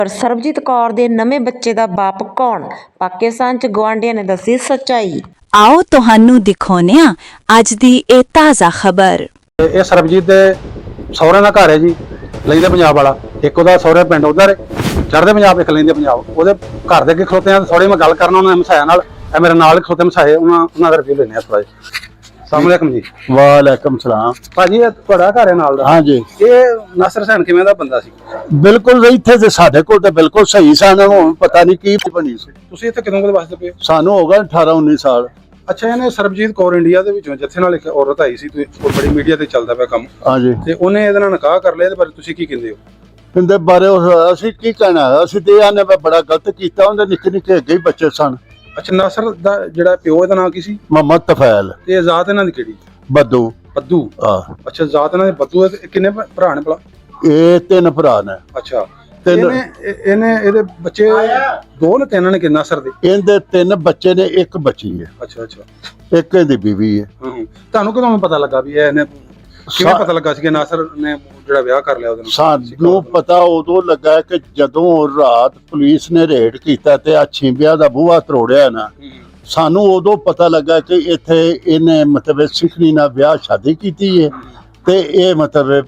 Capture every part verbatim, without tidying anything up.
ਪਰ ਸਰਬਜੀਤ ਕੌਰ ਦੇ ਨਵੇਂ ਬੱਚੇ ਦਾ ਬਾਪ ਕੌਣ? ਪਾਕਿਸਤਾਨ 'ਚ ਗੁਆਂਢੀਆਂ ਨੇ ਦੱਸੀ ਸੱਚਾਈ। ਆਓ ਤੁਹਾਨੂੰ ਦਿਖਾਉਂਦੇ ਹਾਂ ਅੱਜ ਦੀ ਇਹ ਤਾਜ਼ਾ ਖਬਰ। ਇਹ ਸਰਬਜੀਤ ਦੇ ਸਹੁਰਿਆਂ ਦਾ ਘਰ ਹੈ ਜੀ, ਲੈਂਦੇ ਪੰਜਾਬ ਵਾਲਾ। ਇੱਕ ਉਹਦਾ ਸਹੁਰੇ ਪਿੰਡ ਉਧਰ ਚੜ੍ਹਦੇ ਪੰਜਾਬ, ਇੱਕ ਲੈਂਦੇ ਪੰਜਾਬ। ਉਹਦੇ ਘਰ ਦੇ ਅੱਗੇ ਖਲੋਤੇ ਆ, ਥੋੜੀ ਮੈਂ ਗੱਲ ਕਰਨਾ ਉਹਨਾਂ ਮਸਾਇਆ ਨਾਲ। ਇਹ ਮੇਰੇ ਨਾਲ ਖਲੋਤੇ ਮਸਾਏ, ਉਹਨਾਂ ਉਹਨਾਂ ਦਾ ਰਿਵਿਊ ਲੈਣੇ ਆ ਥੋੜਾ ਜਿਹਾ। अस्सलाम वालेकुम जी। वालेकुम सलाम। भाजी ਤੁਹਾਡਾ ਘਰ ਹੈ ਨਾਲ ਦਾ? हाँ जी। ਇਹ ਨਾਸਰ ਹੁਸੈਨ ਕਿਵੇਂ ਦਾ ਬੰਦਾ ਸੀ? ਬਿਲਕੁਲ ਇੱਥੇ ਤੇ ਸਾਡੇ ਕੋਲ ਤੇ ਬਿਲਕੁਲ ਸਹੀ ਸਨ, ਹੁਣ ਪਤਾ ਨਹੀਂ ਕੀ ਬਣੀ ਸੀ। ਤੁਸੀਂ ਇੱਥੇ ਕਿਦੋਂ ਕਦੇ ਵਸਦੇ ਪਏ? ਸਾਨੂੰ ਹੋ ਗਿਆ ਅਠਾਰਾਂ ਉੱਨੀ ਸਾਲ। ਅੱਛਾ, ਇਹਨੇ ਸਰਬਜੀਤ ਕੌਰ ਇੰਡੀਆ ਦੇ ਵਿੱਚੋਂ ਜਿੱਥੇ ਨਾਲ ਇੱਕ ਔਰਤ ਆਈ ਸੀ, ਤੁਸੀਂ ਬੜੀ ਮੀਡੀਆ ਤੇ ਚੱਲਦਾ ਪਿਆ ਕੰਮ। ਹਾਂ ਜੀ। ਤੇ ਉਹਨੇ ਇਹਦੇ ਨਾਲ ਨਿਕਾਹ ਕਰ ਲਿਆ, ਇਹਦੇ ਬਾਰੇ ਤੁਸੀਂ ਕੀ ਕਹਿੰਦੇ ਹੋ? ਇਹਦੇ ਬਾਰੇ ਅਸੀਂ ਕੀ ਕਹਿਣਾ, ਅਸੀਂ ਤੇ ਆਨੇ ਬੜਾ ਗਲਤ ਕੀਤਾ। ਉਹਦੇ ਨਿੱਕੇ ਨਿੱਕੇ ਅੱਗੇ ਹੀ ਬੱਚੇ ਸਨ। ਅੱਛਾ, ਨਾਸਰ ਦਾ ਜਿਹੜਾ ਪਿਓ ਇਹਦਾ ਨਾਂ ਕੀ ਸੀ? ਮੁਹੰਮਦ ਤਫੈਲ। ਤੇ ਜ਼ਾਤ ਇਹਨਾਂ ਦੀ ਕਿਹੜੀ? ਬੱਦੂ। ਬੱਦੂ। ਹਾਂ। ਅੱਛਾ, ਜ਼ਾਤ ਇਹਨਾਂ ਦੇ ਬੱਦੂ। ਕਿੰਨੇ ਭਰਾ ਨੇ ਭਲਾ? ਇਹ ਤਿੰਨ ਭਰਾ ਨੇ। ਅੱਛਾ, ਇਹਨੇ ਇਹਨੇ ਇਹਦੇ ਬੱਚੇ ਦੋ ਨੇ, ਤਿੰਨ ਨੇ? ਕਿ ਨਾਸਰ ਦੇ ਇਹਦੇ ਤਿੰਨ ਬੱਚੇ ਨੇ, ਇੱਕ ਬੱਚੀ ਹੈ। ਅੱਛਾ ਅੱਛਾ। ਇੱਕ ਇਹਦੀ ਬੀਵੀ ਹੈ। ਤੁਹਾਨੂੰ ਕਦੋਂ ਪਤਾ ਲੱਗਾ ਵੀ ਇਹਨੇ, ਕਿਵੇਂ ਪਤਾ ਲੱਗਾ ਸੀ ਕਿ ਨਾਸਰ ਨੇ ਜਿਹੜਾ ਵਿਆਹ ਕਰ ਲਿਆ ਉਹਦੇ ਨਾਲ? ਸਾਨੂੰ ਪਤਾ ਉਦੋਂ ਲੱਗਾ ਕਿ ਜਦੋਂ ਰਾਤ ਪੁਲਿਸ ਨੇ ਰੇਡ ਕੀਤਾ ਤੇ ਆ ਛਿੰਬਿਆ ਦਾ ਬੂਹਾ ਤਰੋੜਿਆ ਨਾ, ਸਾਨੂੰ ਉਦੋਂ ਪਤਾ ਲੱਗਾ ਕਿ ਇੱਥੇ ਇਹਨੇ ਮਤਲਬ ਸਿੱਖਣੀ ਨਾਲ ਵਿਆਹ ਸ਼ਾਦੀ ਕੀਤੀ ਹੈ ਤੇ ਇਹ ਮਤਲਬ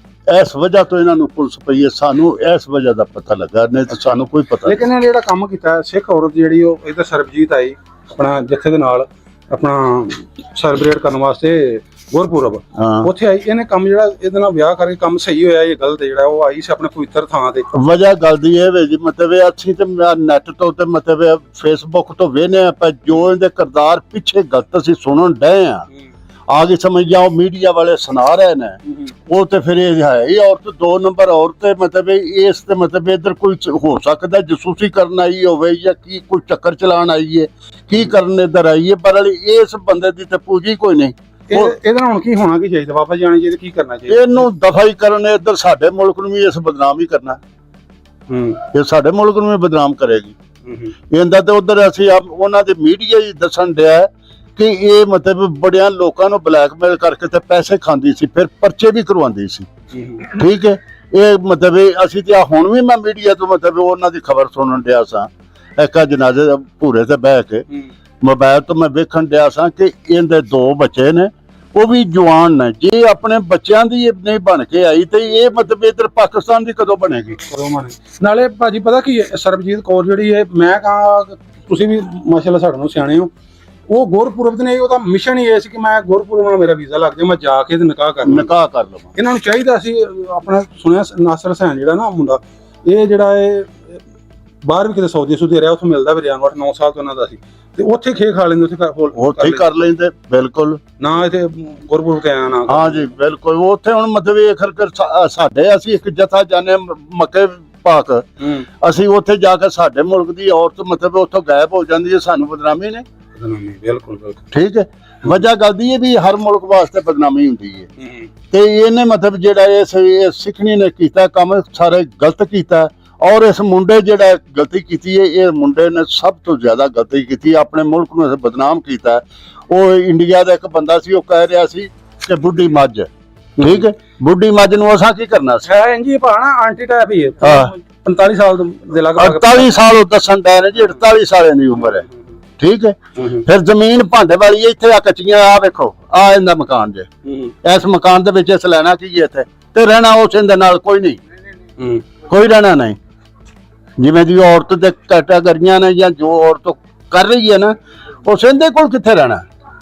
ਇਸ ਵਜ੍ਹਾ ਤੋਂ ਇਹਨਾਂ ਨੂੰ ਪੁਲਿਸ ਪਈ ਹੈ। ਸਾਨੂੰ ਇਸ ਵਜ੍ਹਾ ਦਾ ਪਤਾ ਲੱਗਾ, ਨਹੀਂ ਤਾਂ ਸਾਨੂੰ ਕੋਈ ਪਤਾ। ਲੇਕਿਨ ਇਹ ਜਿਹੜਾ ਕੰਮ ਕੀਤਾ ਸਿੱਖ ਔਰਤ ਜਿਹੜੀ, ਉਹ ਇੱਧਰ ਸਰਬਜੀਤ ਆਈ ਆਪਣਾ ਜੱਥੇ ਦੇ ਨਾਲ ਆਪਣਾ ਸੈਲੀਬ੍ਰੇਟ ਕਰਨ ਵਾਸਤੇ ਗੁਰਪੁਰਬ, ਉੱਥੇ ਆਈ। ਇਹਨੇ ਕੰਮ ਜਿਹੜਾ ਇਹਦੇ ਨਾਲ ਵਿਆਹ ਕਰਕੇ ਕੰਮ ਸਹੀ ਹੋਇਆ ਇਹ ਗਲਤ ਜਿਹੜਾ ਉਹ ਆਈ ਸੀ ਆਪਣੇ ਪਵਿੱਤਰ ਥਾਂ ਤੇ? ਵਜ੍ਹਾ ਗੱਲ ਦੀ ਇਹ ਵੇ ਜੀ, ਮਤਲਬ ਅਸੀਂ ਤੇ ਨੈਟ ਤੋਂ ਤੇ ਮਤਲਬ ਫੇਸਬੁੱਕ ਤੋਂ ਵੇਖਦੇ ਆ, ਪਰ ਜੋ ਇਹਦੇ ਕਿਰਦਾਰ ਪਿੱਛੇ ਗਲਤ ਅਸੀਂ ਸੁਣਨ ਡਏ ਆ, ਆ ਗਈ ਸਮਝ ਜਾਓ। ਮੀਡੀਆ ਵਾਲੇ ਸੁਣਾ ਰਹੇ ਨੇ ਉਹ ਤੇ ਫਿਰ ਇਹ ਹੈ ਹੀ ਔਰਤ ਦੋ ਨੰਬਰ ਔਰਤ। ਮਤਲਬ ਇਸ ਤੇ ਮਤਲਬ ਇੱਧਰ ਕੋਈ ਹੋ ਸਕਦਾ ਜਸੂਸੀ ਕਰਨ ਆਈ ਹੋਵੇ ਜਾਂ ਕੀ ਕੋਈ ਚੱਕਰ ਚਲਾਉਣ ਆਈ ਹੈ, ਕੀ ਕਰਨ ਇੱਧਰ ਆਈ ਹੈ, ਪਰ ਇਸ ਬੰਦੇ ਦੀ ਤੇ ਪੂਜੀ ਕੋਈ ਨਹੀਂ। ਇਹਦੇ ਨਾਲ ਹੁਣ ਕੀ ਹੋਣਾ ਕੀ ਚਾਹੀਦਾ? ਵਾਪਸ ਜਾਣਾ ਚਾਹੀਦਾ? ਕੀ ਕਰਨਾ ਚਾਹੀਦਾ? ਇਹਨੂੰ ਦਫਾ ਹੀ ਕਰਨ। ਇੱਧਰ ਸਾਡੇ ਮੁਲਕ ਨੂੰ ਵੀ ਇਸ ਬਦਨਾਮ ਹੀ ਕਰਨਾ। ਹੂੰ, ਇਹ ਸਾਡੇ ਮੁਲਕ ਨੂੰ ਵੀ ਬਦਨਾਮ ਕਰੇਗੀ। ਇਹਦਾ ਤੇ ਉਧਰ ਅਸੀਂ ਉਹਨਾਂ ਦੇ ਮੀਡੀਆ ਹੀ ਦੱਸਣ ਡਿਆ ਕਿ ਇਹ ਮਤਲਬ ਬੜਿਆਂ ਲੋਕਾਂ ਨੂੰ ਬਲੈਕਮੇਲ ਕਰਕੇ ਤੇ ਪੈਸੇ ਖਾਂਦੀ ਸੀ, ਫਿਰ ਪਰਚੇ ਵੀ ਕਰਵਾਉਂਦੀ ਸੀ। ਠੀਕ ਹੈ, ਇਹ ਮਤਲਬ ਅਸੀਂ ਤੇ ਹੁਣ ਵੀ ਮੈਂ ਮੀਡੀਆ ਤੋਂ ਮਤਲਬ ਉਹਨਾਂ ਦੀ ਖਬਰ ਸੁਣਨ ਡਿਆ ਸਾਂ। ਇੱਕ ਜਨਾਜ਼ੇ ਭੂਰੇ ਤੇ ਬਹਿ ਕੇ ਮੋਬਾਈਲ ਤੋਂ ਮੈਂ ਵੇਖਣ ਡਿਆ ਸਾਂ ਕਿ ਇਹਦੇ ਦੋ ਬੱਚੇ ਨੇ, ਉਹ ਵੀ ਜਵਾਨ ਨੇ। ਜੇ ਆਪਣੇ ਬੱਚਿਆਂ ਦੀ ਨਹੀਂ ਬਣ ਕੇ ਆਈ ਤੇ ਇਹ ਮਤਲਬ ਇਧਰ ਪਾਕਿਸਤਾਨ ਦੀ ਕਦੋਂ ਬਣੇਗੀ? ਨਾਲੇ ਭਾਜੀ ਪਤਾ ਕੀ ਹੈ, ਸਰਬਜੀਤ ਕੌਰ ਜਿਹੜੀ ਹੈ, ਮੈਂ ਕਹਾਂ ਤੁਸੀਂ ਵੀ ਮਾਸ਼ਾਅੱਲਾ ਸਾਡੇ ਨੂੰ ਸਿਆਣੇ ਹੋ, ਉਹ ਗੁਰਪੁਰਬ ਨੇ ਉਹਦਾ ਮਿਸ਼ਨ ਹੀ ਇਹ ਸੀ ਕਿ ਮੈਂ ਗੁਰਪੁਰਬ ਨਾਲ ਮੇਰਾ ਵੀਜ਼ਾ ਲੱਗ ਜਾਏ, ਮੈਂ ਜਾ ਕੇ ਤੇ ਨਿਕਾਹ ਕਰ ਨਿਕਾਹ ਕਰ ਲਵਾਂ। ਇਹਨਾਂ ਨੂੰ ਚਾਹੀਦਾ ਸੀ ਆਪਣਾ। ਸੁਣਿਆ ਨਾਸਰ ਹੁਸੈਨ ਜਿਹੜਾ ਨਾ ਮੁੰਡਾ, ਇਹ ਜਿਹੜਾ ਇਹ ਬਾਹਰ ਵੀ ਕਿਤੇ ਸੌਦੀ ਸੂਦੀ ਰਿਹਾ, ਉੱਥੇ ਮਿਲਦਾ ਵੀ ਰਿਹਾ, ਅੱਠ ਨੌ ਸਾਲ ਤੋਂ ਉਹਨਾਂ ਦਾ ਸੀ, ਤੇ ਉੱਥੇ ਖੇ ਖਾ ਲੈਂਦੇ, ਉੱਥੇ ਉੱਥੇ ਕਰ ਲੈਂਦੇ। ਬਿਲਕੁਲ ਨਾ ਇੱਥੇ ਗੁਰਪੁਰਬ ਤੇ ਆਇਆ ਨਾ। ਹਾਂ ਜੀ ਬਿਲਕੁਲ। ਉੱਥੇ ਹੁਣ ਮਤਲਬ ਇਹ ਖਰਕਰ ਸਾਡੇ, ਅਸੀਂ ਇੱਕ ਜਥਾ ਜਾਣੇ ਮੱਕੇ ਪਾਕ, ਅਸੀਂ ਉੱਥੇ ਜਾ ਕੇ ਸਾਡੇ ਮੁਲਕ ਦੀ ਔਰਤ ਮਤਲਬ ਉੱਥੋਂ ਗਾਇਬ ਹੋ ਜਾਂਦੀ ਹੈ, ਸਾਨੂੰ ਬਦਨਾਮੀ ਨੇ। ਬਿਲਕੁਲ ਬਿਲਕੁਲ ਠੀਕ ਹੈ। ਵਜ੍ਹਾ ਗੱਲ ਦੀ ਹੈ ਵੀ ਹਰ ਮੁਲਕ ਵਾਸਤੇ ਬਦਨਾਮੀ ਹੁੰਦੀ ਹੈ ਤੇ ਇਹਨੇ ਮਤਲਬ ਜਿਹੜਾ ਇਹ ਸਿੱਖਣੀ ਨੇ ਕੀਤਾ ਕੰਮ ਸਾਰੇ ਗਲਤ ਕੀਤਾ। ਔਰ ਇਸ ਮੁੰਡੇ ਜਿਹੜਾ ਗਲਤੀ ਕੀਤੀ ਹੈ, ਇਹ ਮੁੰਡੇ ਨੇ ਸਭ ਤੋਂ ਜ਼ਿਆਦਾ ਗਲਤੀ ਕੀਤੀ, ਆਪਣੇ ਮੁਲਕ ਨੂੰ ਬਦਨਾਮ ਕੀਤਾ। ਉਹ ਇੰਡੀਆ ਦਾ ਇੱਕ ਬੰਦਾ ਸੀ, ਉਹ ਕਹਿ ਰਿਹਾ ਸੀ ਕਿ ਬੁੱਢੀ ਮੱਝ। ਠੀਕ ਹੈ, ਬੁੱਢੀ ਮੱਝ ਨੂੰ ਅਸਾਂ ਕੀ ਕਰਨਾ ਸੀ? ਇੰਜੀ ਭਾਣਾ ਆਂਟੀ ਟਾਈਪ ਹੀ ਹੈ। ਪੰਤਾਲੀ ਸਾਲ ਦੇ ਲਗਭਗ ਅੜਤਾਲੀ ਸਾਲ ਉਹ ਦੱਸਣ ਦਾ ਨੇ ਜੀ, ਅੜਤਾਲੀ ਸਾਲਾਂ ਦੀ ਉਮਰ ਹੈ। ਠੀਕ ਹੈ, ਫਿਰ ਜ਼ਮੀਨ ਭਾਂਡੇ ਵਾਲੀ ਹੈ। ਇੱਥੇ ਆ ਕੱਚੀਆਂ, ਆ ਵੇਖੋ, ਆ ਇਹਦਾ ਮਕਾਨ ਜੇ, ਇਸ ਮਕਾਨ ਦੇ ਵਿੱਚ ਇਸ ਲੈਣਾ ਕੀ ਇੱਥੇ ਤੇ ਰਹਿਣਾ ਉਸ ਦੇ ਨਾਲ ਕੋਈ ਨਹੀਂ, ਕੋਈ ਰਹਿਣਾ ਨਹੀਂ। ਜਿਵੇਂ ਦੀ ਔਰਤ ਦੇ ਕੈਟਾਗਰੀਆਂ ਨੇ ਜਾਂ ਜੋ ਔਰਤ ਕਰ ਰਹੀ ਹੈ ਨਾ, ਉਸ ਇਹਦੇ ਕੋਲ ਕਿੱਥੇ ਰਹਿਣਾ?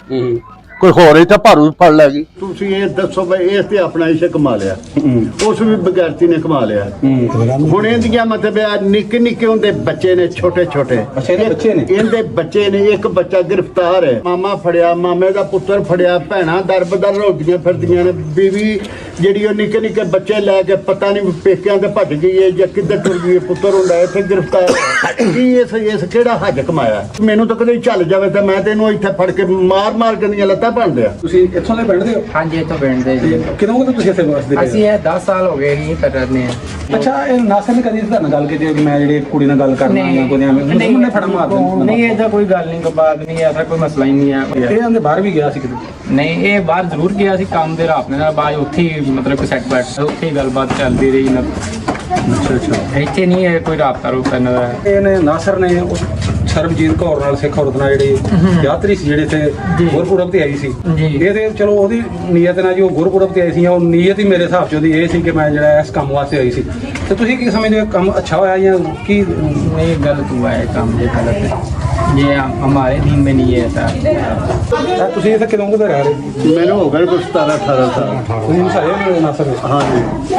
ਕੋਈ ਹੋਰ ਇੱਥੇ ਭਾਰੂ ਫੜ ਲੈ ਗਈ। ਤੁਸੀਂ ਇਹ ਦੱਸੋ ਬਈ, ਇਸ ਤੇ ਆਪਣਾ ਇਸ਼ਕ ਕਮਾ ਲਿਆ, ਉਸ ਵੀ ਬਗੈਰਤੀ ਨੇ ਕਮਾ ਲਿਆ। ਹੁਣ ਇਹਦੀਆਂ ਮਤਲਬ ਨਿੱਕੇ ਨਿੱਕੇ ਹੁੰਦੇ ਬੱਚੇ ਨੇ, ਛੋਟੇ ਛੋਟੇ ਇਹਦੇ ਬੱਚੇ ਨੇ। ਇੱਕ ਬੱਚਾ ਗ੍ਰਿਫਤਾਰ ਹੈ, ਮਾਮਾ ਫੜਿਆ, ਮਾਮੇ ਦਾ ਪੁੱਤਰ ਫੜਿਆ, ਭੈਣਾਂ ਦਰ ਬਦਰ ਰੋਦੀਆਂ ਫਿਰਦੀਆਂ ਨੇ, ਬੀਵੀ ਜਿਹੜੀ ਉਹ ਨਿੱਕੇ ਨਿੱਕੇ ਬੱਚੇ ਲੈ ਕੇ ਪਤਾ ਨਹੀਂ ਪੇਕਿਆਂ ਤੇ ਭੱਜ ਗਈ ਹੈ ਜਾਂ ਕਿੱਧਰ ਟੁਰ ਗਈ ਹੈ, ਪੁੱਤਰ ਹੁੰਦਾ ਇੱਥੇ ਗ੍ਰਿਫਤਾਰ। ਕੀ ਇਸ ਇਸ ਕਿਹੜਾ ਹੱਜ ਕਮਾਇਆ? ਮੈਨੂੰ ਤਾਂ ਕਦੇ ਚੱਲ ਜਾਵੇ ਤਾਂ ਮੈਂ ਤੈਨੂੰ ਇੱਥੇ ਫੜ ਕੇ ਮਾਰ ਮਾਰ ਕੇ ਦੀਆਂ ਲੱਤਾਂ ਬਣਦੇ ਆ। ਤੁਸੀਂ ਇੱਥੋਂ ਦੇ ਪਿੰਡ ਦੇ ਹੋ? ਹਾਂਜੀ, ਇੱਥੋਂ ਪਿੰਡ ਦੇ ਜੀ। ਕਿਦੋਂ ਕਦੋਂ ਤੁਸੀਂ ਇੱਥੇ ਵਸਦੇ? ਅਸੀਂ ਇਹ ਦਸ ਸਾਲ ਹੋ ਗਏ ਜੀ ਕਰਨੇ। ਅੱਛਾ, ਇਹ ਨਾਸਰ ਨੇ ਕਦੀ ਤੁਹਾਡੇ ਨਾਲ ਗੱਲ ਕੀਤੀ ਮੈਂ ਜਿਹੜੀ ਕੁੜੀ ਨਾਲ ਗੱਲ ਕਰਨਾ ਜਾਂ ਕੋਈ ਐਵੇਂ ਨੇ ਫੜਾ ਮਾਰ ਦਿੰਦੇ? ਨਹੀਂ, ਇਹਦਾ ਕੋਈ ਗੱਲ ਨਹੀਂ, ਕੋਈ ਬਾਤ ਨਹੀਂ, ਐਸਾ ਕੋਈ ਮਸਲਾ ਹੀ ਨਹੀਂ ਹੈ। ਇਹ ਆਂਦੇ ਬਾਹਰ ਵੀ ਗਿਆ ਸੀ ਕਿਤੇ? ਨਹੀਂ, ਇਹ ਬਾਹਰ ਜ਼ਰੂਰ ਗਿਆ ਸੀ ਕੰਮ ਦੇ ਰਾਤ ਨਾਲ, ਬਾਅਦ ਉੱਥੇ ਹੀ ਮਤਲਬ ਕਿ ਸੈੱਟ ਬੈਠ ਉੱਥੇ ਹੀ ਗੱਲਬਾਤ ਚੱਲਦੀ ਰਹੀ ਨਾ। ਅੱਛਾ ਅੱਛਾ ਇੱਥੇ ਨਹੀਂ ਹੈ ਕੋਈ ਰਾਬਤਾ ਰੂਬਤਾ ਇਹਨਾਂ ਦਾ। ਇਹਨੇ ਨਾਸਰ ਨੇ ਉਸ ਸਰਬਜੀਤ ਕੌਰ ਨਾਲ ਸਿੱਖ ਔਰਤ ਨਾਲ ਜਿਹੜੀ ਯਾਤਰੀ ਸੀ ਜਿਹੜੇ ਤੇ ਗੁਰਪੁਰਬ ਤੇ ਆਈ ਸੀ, ਜੀ। ਇਹ ਤੇ ਚਲੋ ਉਹਦੀ ਨੀਅਤ ਨਾਲ ਜੀ ਉਹ ਗੁਰਪੁਰਬ ਤੇ ਆਈ ਸੀ, ਉਹ ਨੀਅਤ ਹੀ ਮੇਰੇ ਹਿਸਾਬ ਚ ਉਹਦੀ ਇਹ ਸੀ ਕਿ ਮੈਂ ਜਿਹੜਾ ਇਸ ਕੰਮ ਵਾਸਤੇ ਆਈ ਸੀ। ਤੇ ਤੁਸੀਂ ਕੀ ਸਮਝਦੇ ਹੋ, ਕੰਮ ਅੱਛਾ ਹੋਇਆ ਜਾਂ ਕੀ? नहीं गलत हुआ है काम, ये गलत है, ये हम- हमारे दिन में नहीं है ऐसा। ਇਹ ਤੁਸੀਂ ਇੱਥੇ ਕਿਦੋਂ ਕੁ ਦੇ ਰਹਿ ਰਹੇ? ਮੈਨੂੰ ਹੋ ਗਏ ਕੁਝ ਸਤਾਰਾਂ ਅਠਾਰਾਂ ਸਾਲ। ਤੁਸੀਂ ਮਸਾਏ ਨੇ ਨਾਸਰ ਦੇ? ਹਾਂਜੀ।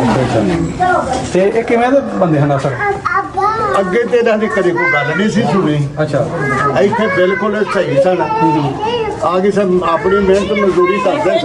ਤੇ ਇਹ ਕਿਵੇਂ ਦੇ ਬੰਦੇ ਹਨ ਨਾਸਰ? ਅੱਗੇ ਤੇ ਇਹਨਾਂ ਦੀ ਕਦੇ ਕੋਈ ਗੱਲ ਨਹੀਂ ਸੀ ਸੁਣੀ। ਅੱਛਾ ਇੱਥੇ ਬਿਲਕੁਲ ਸਹੀ ਸਨ। ਆ ਕੇ ਸਭ ਆਪਣੀ ਮਿਹਨਤ ਮਜ਼ਦੂਰੀ ਕਰਦੇ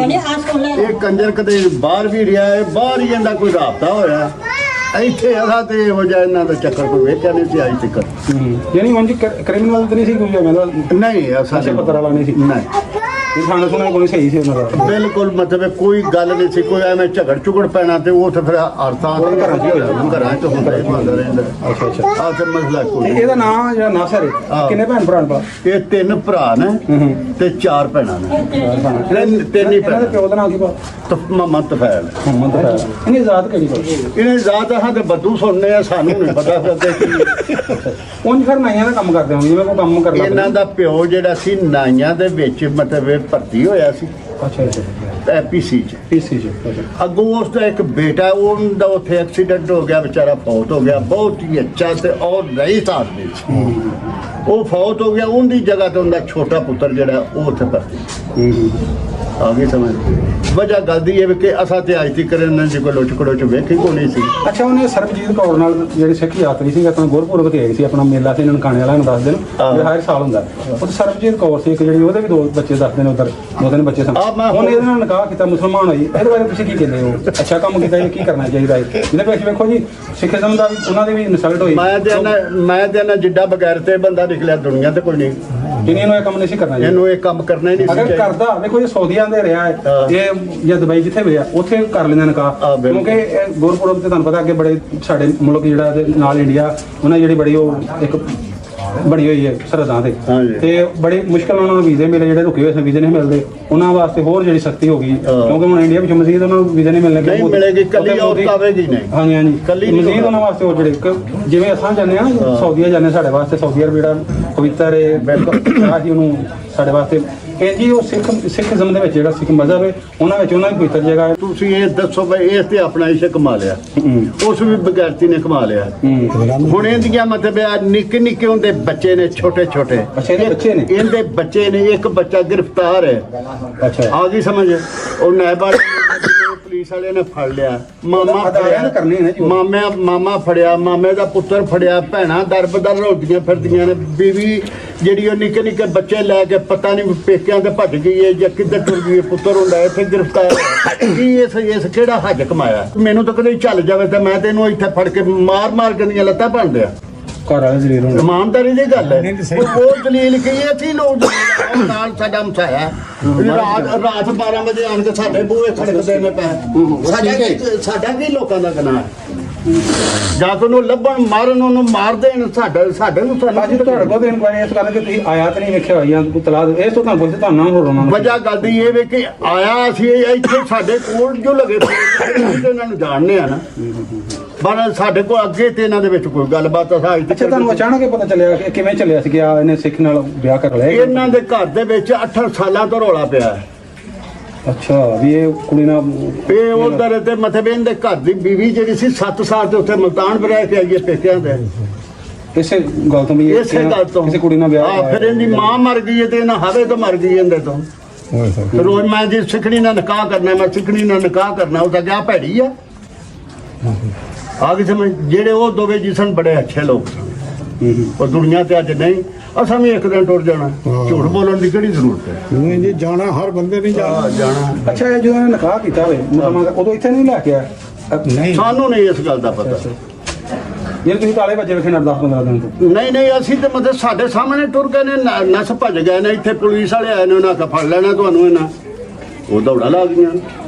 ਸਨ। ਇਹ ਕੰਜਰ ਕਦੇ ਬਾਹਰ ਵੀ ਰਿਹਾ ਹੈ, ਬਾਹਰ ਹੀ ਇਹਦਾ ਕੋਈ ਰਾਬਤਾ ਹੋਇਆ। ਇੱਥੇ ਅਸਾਂ ਤੇ ਹੋ ਜਾ ਇਹਨਾਂ ਦਾ ਚੱਕਰ ਕੋਈ ਵੇਖਿਆ ਨਹੀਂ ਸੀ ਅੱਜ ਤੱਕ। ਯਾਨੀ ਉਂਝ ਕ੍ਰਿਮੀਨਲ ਤਾਂ ਨਹੀਂ ਸੀ ਕੋਈ ਜਿਵੇਂ ਨਹੀਂ ਅਸਾਂ ਨਸ਼ੇ ਪੱਤਰ ਵਾਲਾ ਨਹੀਂ ਸੀ? ਨਹੀਂ ਇਹ ਖਾਣਾ ਸੁਣਾ ਕੋਈ ਸਹੀ ਸੀ ਉਹਨਾਂ ਦਾ? ਬਿਲਕੁਲ ਮਤਲਬ ਕੋਈ ਗੱਲ ਨਹੀਂ ਸੀ, ਕੋਈ ਐਵੇਂ ਝਗੜ ਝੁਗੜ ਪੈਣਾ ਤੇ ਉਹ ਤਾਂ ਫਿਰ ਅਰਥਾਂ ਉਹ ਘਰਾਂ 'ਚ ਹੀ ਹੋ ਜਾਂਦਾ। ਘਰਾਂ ਚ ਹੁੰਦਾ ਰਹਿੰਦਾ ਰਹਿੰਦਾ। ਅੱਛਾ ਅੱਛਾ। ਆਹ ਤੇ ਮਸਲਾ ਤੇ ਕੋਈ ਇਹਦਾ ਨਾਮ ਜਿਹੜਾ ਨਾਸਰ ਹੈ, ਹਾਂ। ਕਿੰਨੇ ਭੈਣ ਭਰਾ ਨੇ? ਇਹ ਤਿੰਨ ਭਰਾ ਨੇ ਤੇ ਚਾਰ ਭੈਣਾਂ ਨੇ। ਤਿੰਨ ਤਿੰਨ ਹੀ ਇਹਨਾਂ ਦੇ ਭੈਣਾਂ। ਪਿਓ ਦਾ ਨਾਮ ਕੀ ਪਾ? ਮੁਹੰਮਦ ਤਫੈਲ। ਮੁਹੰਮਦ ਫੈਲ। ਇਹਨੇ ਜ਼ਾਤ ਕਿਹੜੀ ਪਾ? ਇਹਨੇ ਜ਼ਾਤ ਹਾਂ ਤੇ ਬੱਦੂ ਸੁਣਨੇ ਆ, ਸਾਨੂੰ ਨਹੀਂ ਪਤਾ ਫਿਰ ਕੀ। ਉਂਝ ਫਿਰ ਨਾਈਆਂ ਦਾ ਕੰਮ ਕਰਦੇ ਹੋਣਗੇ, ਜਿਵੇਂ ਕੋਈ ਕੰਮ ਕਰਨਾ ਇਹਨਾਂ ਦਾ ਪਿਓ ਜਿਹੜਾ ਸੀ ਨਾਈਆਂ ਦੇ ਵਿੱਚ ਮਤਲਬ ਇਹ ਭਰਤੀ ਹੋਇਆ ਸੀ ਅੱਛਾ ਅੱਛਾ। ਪੀਸੀ ਚ। ਪੀਸੀ ਚ। ਅੱਗੋਂ ਉਸ ਦਾ ਇੱਕ ਬੇਟਾ, ਉਹਦਾ ਉੱਥੇ ਐਕਸੀਡੈਂਟ ਹੋ ਗਿਆ, ਵਿਚਾਰਾ ਫੌਤ ਹੋ ਗਿਆ। ਬਹੁਤ ਹੀ ਅੱਛਾ ਤੇ ਔਰ ਰਈਸ ਆਦਮੀ ਸੀ। ਉਹ ਫੌਤ ਹੋ ਗਿਆ, ਉਹਦੀ ਜਗ੍ਹਾ ਤੇ ਉਹਦਾ ਛੋਟਾ ਪੁੱਤਰ ਜਿਹੜਾ ਉਹ ਉੱਥੇ ਭਰਤੀ। ਆ ਗਈ ਸਮਝ? ਵਜ੍ਹਾ ਗੱਲ ਦੀ ਇਹ ਵੀ ਕਿ ਅਸਾਂ ਤੇ ਅੱਜ ਤੱਕ ਇਹਨਾਂ ਦੀ ਕੋਈ ਲੁੱਟ ਖੜੋਚ ਵੇਖੀ ਕੋਈ ਨਹੀਂ ਸੀ। ਅੱਛਾ, ਉਹਨੇ ਸਰਬਜੀਤ ਕੌਰ ਨਾਲ ਜਿਹੜੀ ਸਿੱਖ ਯਾਤਰੀ ਸੀ ਆਪਣਾ ਗੁਰਪੁਰਬ ਤੇ ਆਈ ਸੀ, ਆਪਣਾ ਮੇਲਾ ਸੀ ਨਨਕਾਣੇ ਵਾਲਾ ਨੂੰ ਦੱਸਦੇ ਨੇ ਜਿਹੜਾ ਹਰ ਸਾਲ ਹੁੰਦਾ। ਉਹ ਸਰਬਜੀਤ ਕੌਰ ਸੀ ਇੱਕ ਜਿਹੜੀ, ਉਹਦੇ ਵੀ ਦੋ ਬੱਚੇ ਦੱਸਦੇ ਨੇ ਉਧਰ, ਦੋ ਤਿੰਨ ਬੱਚੇ ਸਨ। ਆ ਮੈਂ ਉਹਨੇ ਇਹਦੇ ਨਾਲ ਨਿਕਾਹ ਕੀਤਾ, ਮੁਸਲਮਾਨ ਹੋਈ। ਇਹਦੇ ਬਾਰੇ ਤੁਸੀਂ ਕੀ ਕਹਿੰਦੇ ਹੋ? ਅੱਛਾ ਕੰਮ ਕੀਤਾ ਜਾਂ ਕੀ ਕਰਨਾ ਚਾਹੀਦਾ ਹੈ? ਇਹਦੇ ਵਿੱਚ ਵੇਖੋ ਜੀ, ਸਿੱਖੀਜ਼ਮ ਦਾ ਵੀ ਉਹਨਾਂ ਦੀ ਵੀ ਇਨਸਲਟ ਹੋਈ। ਮੈਂ ਤੇ ਨਾ ਮੈਂ ਤੇ ਨਾ ਜਿੱਡਾ ਬਗੈਰ ਤੇ ਬੰਦਾ ਨਿਕਲਿਆ ਦੁਨੀਆ ਤੇ ਕੋਈ ਨਹੀਂ, ਜਿਹਨੇ ਨੂੰ ਇਹ ਕੰਮ ਨਹੀਂ ਸੀ ਕਰਨਾ ਚਾਹੀਦਾ। ਇਹਨੂੰ ਇਹ ਕੰਮ ਕਰਨਾ ਹੀ ਨਹੀਂ ਸੀ ਅਗਰ ਚਾਹੀਦਾ। ਕਰਦਾ, ਦੇਖੋ ਇਹ ਸਾਊਦੀਆਂ ਦੇ ਰਿਹਾ ਹੈ, ਹਾਂ। ਇਹ ਜਾਂ ਦੁਬਈ ਜਿੱਥੇ ਵੀ ਆ ਉੱਥੇ ਕਰ ਲੈਂਦੇ ਨਿਕਾਹ। ਹਾਂ, ਬਿਲਕੁਲ। ਕਿਉਂਕਿ ਇਹ ਗੁਰਪੁਰਬ ਤੇ ਤੁਹਾਨੂੰ ਪਤਾ ਅੱਗੇ ਬੜੇ ਸਾਡੇ ਮੁਲਕ ਜਿਹੜਾ ਤੇ ਨਾਲ ਇੰਡੀਆ, ਉਹਨਾਂ ਦੀ ਜਿਹੜੀ ਬੜੀ ਉਹ ਇੱਕ ਬਣੀ ਹੋਈ ਹੈ ਸਰਹੱਦਾਂ ਤੇ, ਹਾਂਜੀ। ਤੇ ਬੜੀ ਮੁਸ਼ਕਲ ਉਹਨਾਂ ਨੂੰ ਵੀਜ਼ੇ ਮਿਲੇ, ਜਿਹੜੇ ਰੁਕੇ ਹੋਏ ਸੀ ਵੀਜ਼ੇ ਨਹੀਂ ਮਿਲਦੇ, ਉਹਨਾਂ ਵਾਸਤੇ ਹੋਰ ਜਿਹੜੀ ਸਖਤੀ ਹੋ ਗਈ। ਕਿਉਂਕਿ ਹੁਣ ਇੰਡੀਆ ਵਿੱਚ ਮਜ਼ੀਦ ਉਹਨਾਂ ਨੂੰ ਵੀਜ਼ੇ ਨਹੀਂ ਮਿਲਣੇ। ਨਹੀਂ ਮਿਲੇਗੀ, ਕੱਲੀ ਔਰਤ ਆਵੇਗੀ ਨਹੀਂ। ਹਾਂਜੀ ਹਾਂਜੀ, ਕੱਲੀ ਨਹੀਂ ਮਜ਼ੀਦ ਉਹਨਾਂ ਵਾਸਤੇ ਉਹ ਜਿਹੜੇ ਕ- ਜਿਵੇਂ ਅਸਾਂ ਜਾਂਦੇ ਆ ਨਾ ਸਾਊਦੀਆ ਜਾਂਦੇ, ਸਾਡੇ ਵਾਸਤੇ ਸਾਊਦੀ ਅਰਬ ਜਿਹੜਾ ਪਵਿੱਤਰ ਹੈ, ਆਹੀ ਉਹਨੂੰ ਸਾਡੇ ਵਾਸਤੇ ਇਹ ਜੀ ਉਹ ਸਿੱਖ ਸਿੱਖੀਜ਼ਮ ਦੇ ਵਿੱਚ ਜਿਹੜਾ ਸਿੱਖ ਮਜ਼ਹਬ ਹੈ, ਉਹਨਾਂ ਵਿੱਚ ਉਹਨਾਂ ਦੀ ਪਵਿੱਤਰ ਜਗ੍ਹਾ ਹੈ। ਤੁਸੀਂ ਇਹ ਦੱਸੋ ਬਈ ਇਸ ਤੇ ਆਪਣਾ ਇਸ਼ਕ ਕਮਾ ਲਿਆ, ਉਸ ਵੀ ਬਗੈਰਤੀ ਨੇ ਕਮਾ ਲਿਆ। ਹੁਣ ਇਹਦੀਆਂ ਮਤਲਬ ਆ ਨਿੱਕੇ ਨਿੱਕੇ ਹੁੰਦੇ ਬੱਚੇ ਨੇ, ਛੋਟੇ ਛੋਟੇ ਅੱਛਾ, ਇਹਦੇ ਬੱਚੇ ਨੇ? ਇਹਦੇ ਬੱਚੇ ਨੇ। ਇੱਕ ਬੱਚਾ ਗ੍ਰਿਫਤਾਰ ਹੈ। ਅੱਛਾ, ਆ ਗਈ ਸਮਝ? ਉਹ ਨੈਬਾ ਪੁਲਿਸ ਵਾਲੇ ਨੇ ਫੜ ਲਿਆ। ਮਾਮਾ ਅਦਾਰਿਆਂ ਨੇ ਕਰਨੀ ਹੈ ਨਾ ਜੀ। ਮਾਮਾ ਮਾਮਾ ਫੜਿਆ, ਮਾਮੇ ਦਾ ਪੁੱਤਰ ਫੜਿਆ, ਭੈਣਾਂ ਦਰਬਦਰ ਰੋਲਦੀਆਂ ਫਿਰਦੀਆਂ ਨੇ। ਬੀਵੀ ਜਿਹੜੀ ਉਹ ਨਿੱਕੇ ਨਿੱਕੇ ਬੱਚੇ ਲੈ ਕੇ ਪਤਾ ਨਹੀਂ ਪੇਕਿਆਂ ਤੇ ਭੱਜ ਗਈ ਹੈ ਜਾਂ ਕਿੱਧਰ ਟੁਰ ਗਈ ਹੈ। ਪੁੱਤਰ ਹੁੰਦਾ ਇੱਥੇ ਗ੍ਰਿਫਤਾਰ ਹੋਇਆ। ਕੀ ਇਸ ਇਸ ਕਿਹੜਾ ਹੱਜ ਕਮਾਇਆ? ਮੈਨੂੰ ਤਾਂ ਕਦੇ ਚੱਲ ਜਾਵੇ ਤਾਂ ਮੈਂ ਤੈਨੂੰ ਇੱਥੇ ਫੜ ਕੇ ਮਾਰ ਮਾਰ ਕੇ ਦੀਆਂ ਲੱਤਾਂ ਭੰਨ ਦਿਆਂ। ਘਰ ਵਾਲੇ ਜ਼ਲੀਲ ਹੋਣ। ਇਮਾਨਦਾਰੀ ਦੀ ਗੱਲ ਹੈ। ਉਹ ਉਹ ਦਲੀਲ ਕੀ ਹੈ? ਅਸੀਂ ਲੋਕ ਉਹ ਨਾਲ ਸਾਡਾ ਮਸਾਇਆ ਰਾਤ ਰਾਤ ਬਾਰਾਂ ਵਜੇ ਆਣ ਕੇ ਸਾਡੇ ਬੂਹੇ ਖੜਕਦੇ ਨੇ ਪੈ। ਸਾਡਾ ਕੀ ਸਾਡਾ ਕੀ ਲੋਕਾਂ ਦਾ ਗੁਨਾਹ ਹੈ? ਜਾਂ ਕੋ ਨੂੰ ਲੱਭਣ ਮਾਰਨ, ਉਹਨੂੰ ਮਾਰ ਦੇਣ, ਸਾਡੇ ਸਾਡੇ ਨੂੰ ਸਾਨੂੰ ਅੱਜ ਤੁਹਾਡੇ ਕੋਲ ਇਨਕੁਆਇਰੀ ਇਸ ਗੱਲ ਕਿ ਤੁਸੀਂ ਆਇਆਤ ਨਹੀਂ ਵੇਖਿਆ ਹੋਈ ਜਾਂ ਕੋਈ ਤਲਾਕ ਇਸ ਤੋਂ ਤੁਹਾਨੂੰ ਪੁੱਛਦੇ ਤੁਹਾਨੂੰ ਹੋਰ ਉਹਨਾਂ ਨੂੰ ਵਜ੍ਹਾ ਗੱਲ ਦੀ ਇਹ ਵੇ ਕਿ ਆਇਆ ਅਸੀਂ ਇੱਥੇ ਸਾਡੇ ਕੋਲ ਜੋ ਲਗੇ ਤੇ ਇਹਨਾਂ ਨੂੰ ਜਾਣਦੇ ਆ ਨਾ, ਪਰ ਸਾਡੇ ਕੋਲ ਅੱਗੇ ਤੇ ਇਹਨਾਂ ਦੇ ਵਿੱਚ ਕੋਈ ਗੱਲਬਾਤ ਅਸਾਂ ਅੱਜ ਅੱਛਾ, ਤੁਹਾਨੂੰ ਅਚਾਨਕ ਹੀ ਪਤਾ ਚੱਲਿਆ ਕਿ ਕਿਵੇਂ ਚੱਲਿਆ ਸੀ ਕਿ ਆ ਇਹਨੇ ਸਿੱਖ ਨਾਲ ਵਿਆਹ ਕਰ ਲਿਆ? ਇਹਨਾਂ ਦੇ ਘਰ ਦੇ ਵਿੱਚ ਅੱਠ ਸਾਲਾਂ ਤੋਂ ਰੌਲਾ ਪਿਆ ਹੈ। ਅੱਛਾ, ਵੀ ਇਹ ਕੁੜੀ ਨਾਲ ਇਹ ਉਧਰ ਤੇ ਮਤਲਬ ਇਹਦੇ ਘਰ ਦੀ ਬੀਵੀ ਜਿਹੜੀ ਸੀ ਸੱਤ ਸਾਲ ਤੇ ਉੱਥੇ ਮੁਲਤਾਨ ਵੀ ਰਹਿ ਕੇ ਆਈ ਹੈ ਪੇਕਿਆਂ ਦੇ। ਇਸੇ ਗੱਲ ਤੋਂ ਵੀ ਇਹ ਇਸੇ ਗੱਲ ਤੋਂ ਕਿਸੇ ਕੁੜੀ ਨਾਲ ਵਿਆਹ ਹਾਂ, ਫਿਰ ਇਹਦੀ ਮਾਂ ਮਰ ਗਈ ਹੈ ਤੇ ਇਹਨਾਂ ਹਵੇ ਤੋਂ ਮਰ ਗਈ ਇਹਦੇ ਤੋਂ। ਰੋਜ਼ ਮੈਂ ਜੀ ਸਿੱਖਣੀ ਨਾਲ ਨਿਕਾਹ ਕਰਨਾ, ਮੈਂ ਸਿੱਖਣੀ ਨਾਲ ਨਿਕਾਹ ਕਰਨਾ, ਉਹ ਤਾਂ ਕਿਆ ਭੈੜੀ ਆ। ਆ ਗਈ ਸਮਝ? ਜਿਹੜੇ ਉਹ ਦੋਵੇਂ ਜੀ ਸਨ ਬੜੇ ਅੱਛੇ ਲੋਕ ਸਨ, ਉਹ ਦੁਨੀਆ ਤੇ ਅੱਜ ਨਹੀਂ। ਅਸਾਂ ਵੀ ਇੱਕ ਦਿਨ ਟੁਰ ਜਾਣਾ, ਝੂਠ ਬੋਲਣ ਦੀ ਕਿਹੜੀ ਜ਼ਰੂਰਤ ਹੈ? ਨਹੀਂ ਜੀ, ਜਾਣਾ ਹਰ ਬੰਦੇ ਨਹੀਂ ਜਾਣਾ। ਜਾਣਾ ਅੱਛਾ, ਇਹ ਜਦੋਂ ਇਹਨੇ ਨਿਕਾਹ ਕੀਤਾ ਹੋਵੇ ਮੁਸਲਮਾਨ, ਉਦੋਂ ਇੱਥੇ ਨਹੀਂ ਲੈ ਕੇ ਆਇਆ? ਨਹੀਂ, ਸਾਨੂੰ ਨਹੀਂ ਇਸ ਗੱਲ ਦਾ ਪਤਾ। ਜੇ ਤੁਸੀਂ ਤਾਲੇ ਬੱਚੇ ਵੇਖੇ ਨਾ ਦਸ ਪੰਦਰਾਂ ਦਿਨ ਤੋਂ? ਨਹੀਂ ਨਹੀਂ, ਅਸੀਂ ਤੇ ਮਤਲਬ ਸਾਡੇ ਸਾਹਮਣੇ ਟੁਰ ਗਏ ਨੇ, ਨ- ਨਸ ਭੱਜ ਗਏ ਨੇ। ਇੱਥੇ ਪੁਲਿਸ ਵਾਲੇ ਆਏ ਨੇ, ਉਹਨਾਂ ਕਾ ਫੜ ਲੈਣਾ ਤੁਹਾਨੂੰ ਇਹਨਾਂ, ਉਹ ਦੌੜਾ ਲਾ ਗਈਆਂ।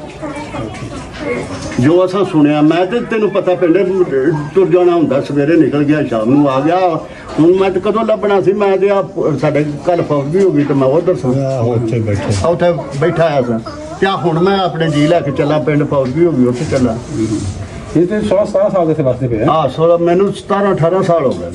ਜੋ ਅਸਾਂ ਸੁਣਿਆ, ਮੈਂ ਤੇ ਤੈਨੂੰ ਪਤਾ ਪਿੰਡੇ ਟੁਰ ਜਾਣਾ ਹੁੰਦਾ, ਸਵੇਰੇ ਨਿਕਲ ਗਿਆ, ਸ਼ਾਮ ਨੂੰ ਆ ਗਿਆ। ਹੁਣ ਮੈਂ ਤੇ ਕਦੋਂ ਲੱਭਣਾ ਸੀ? ਮੈਂ ਤੇ ਆ ਸਾਡੇ ਕੱਲ ਫੌਜ ਵੀ ਹੋ ਗਈ ਤੇ ਮੈਂ ਉਧਰ ਸਾਂ, ਆਹੋ ਉੱਥੇ ਬੈਠੇ। ਉੱਥੇ ਬੈਠਾ ਆ ਸਾਂ। ਤੇ ਆਹ ਹੁਣ ਮੈਂ ਆਪਣੇ ਜੀ ਲੈ ਕੇ ਚੱਲਾਂ ਪਿੰਡ, ਫੌਜ ਵੀ ਹੋ ਗਈ, ਉੱਥੇ ਚੱਲਾਂ। ਇਹ ਤੇ ਸੋਲਾਂ ਸਤਾਰਾਂ ਸਾਲ ਦੇ ਸੇ ਵਾਸਤੇ ਪਿਆ ਹਾਂ ਸੋਲਾਂ ਮੈਨੂੰ ਸਤਾਰਾਂ ਅਠਾਰਾਂ ਸਾਲ ਹੋ ਗਏ